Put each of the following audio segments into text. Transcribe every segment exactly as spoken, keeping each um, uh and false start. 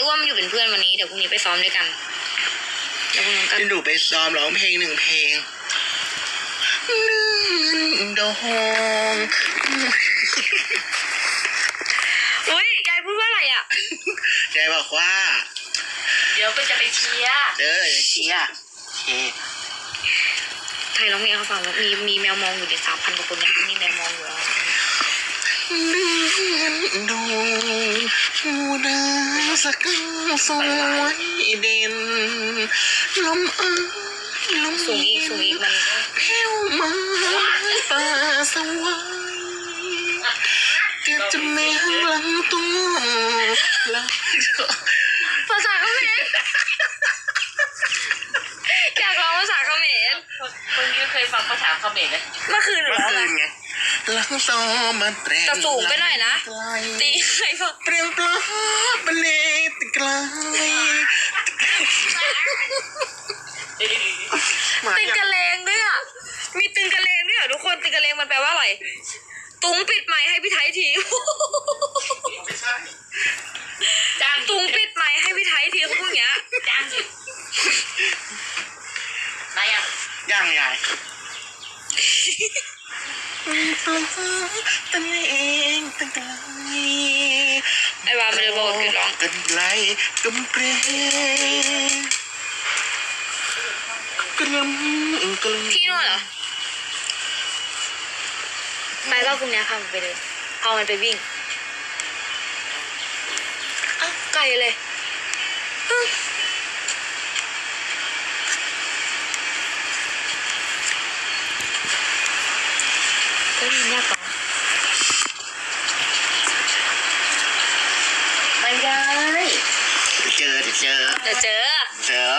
อ้วนมันอยู่เป็นเพื่อนวันนี้เดี๋ยวพรุ่งนี้ไปซ้อมด้วยกันเดี๋ยวพรุ่งนี้กันจะหนูไปซ้อมร้องเพลงหนึ่งเพลงนึ่งดองอุ้ยยายพูดว่าอะไรอ่ะยายบอกว่าเดี๋ยวก็จะไปเชียร์เออเชียร์โอเคไทยร้องเพลงเขาฟังว่ามีมีแมวมองอยู่ในสามพันกว่าคนเนี่ยมีแมวมองอยู่แล้วนึ่งดองชูดาสักสวยเด่นลมเอ้ยลมสูงอีกสูงอีกมันแผ่วมาป่าสวายเก็บจะแมวหลังตัวแล้วภาษาเขมรอยากร้องภาษาเขมรคนนี้เคยฟังภาษาเขมรไหมเมื่อคืนหรือเปล่าไงหลังซอมาเตะแต่สูงไปหน่อยนะตีใครฟังเปลี่ยนปลาบเลตไกลตึงกระเลงด้วยอ่ะมีตึงกระเลงด้วยอ่ะทุกคนตึงกระเลงมันแปลว่าอะไรตุ้งปิดไมค์ให้พี่ไทยทีไม่ใช่จ้างตุ้งปิดไมค์ให้พี่ไทยทีเขาพูดอย่างเงี้ยจ้างสิมายังย่างใหญ่ตั้งเองตั้งไกลไอ้วามันเลยบอกกันร้องกันไกลกำเปรกระมกระพี่นวดเหรอไปก็พรุ่งนี้พามันไปเลยเอามันไปวิ่งอ้าวไกลเลยก็ยินยากกว่าไม่ได้เจอเจอเดี๋ยวเจอเจอ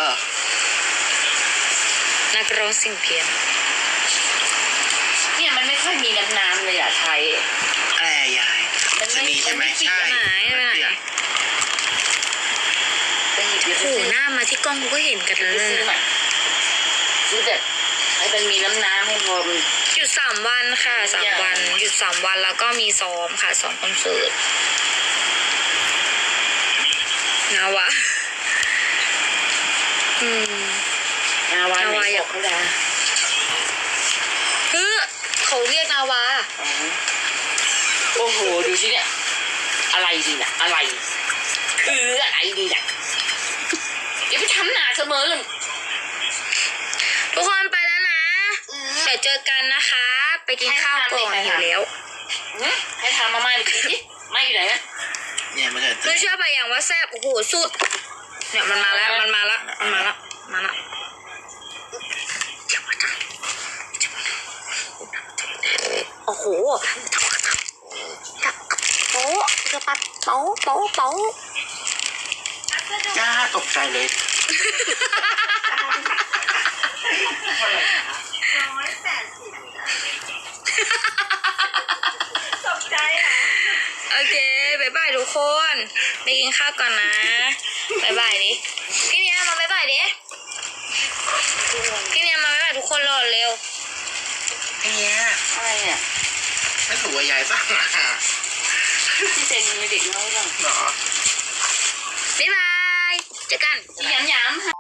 นักร้องสิ่งเพียนเนี่ยมันไม่ค่อยมีน้ำน้ำเลยอ่ะไทยแอ่ยายมันไม่ใช่ไหมใช่ไหนไหนโอ้โหหน้ามาที่กล้องกูก็เห็นกันเลยซื้อแบบให้มันมีน้ำน้ำให้พอมันหยุดสามวันค่ะสามวันหยุดสามวันแล้วก็มีซ้อมค่ะซ้อมคอนเสิร์ตนาวะอืมนาวานาวาอยากเขาด่าเฮ้ยเขาเรียกนาวาโอ้โหดูสิเนี่ยอะไรดีน่ะอะไรคืออะไรดีน่ะอย่าไปทำหนาเสมอเลยทุกคนไปแล้วนะเดี๋ยวเจอกันนะคะไปกินข้าวก่อนหิวแล้วให้ทำมาม่าไปกินดิไม่อยู่ไหนนะเนี่ยมันเกิดไม่เชื่อไปอย่างว่าแซ่บโอ้โหสุดเนี่ยมันมาแล้วมันมาแล้วมันมาแล้วมาแล้วโอ้โหโป๊ะกระปัดโป๊ะโป๊ะโป๊ะจ้าตกใจเลยร้อยแปดสิบตกใจอ่ะโอเคบายบายทุกคนไปกินข้าวก่อนนะบายบายดิพี่เนียมาบายบายดิพี่เนียมาบายบายทุกคนรอเร็วเนี่ยอะไรเนี่ยไม่ถูกว่ายายบ้างที่เซ็นมีเด็กน้อยบ้างหรอบ๊ายบายเจอกันย้ำย้ำ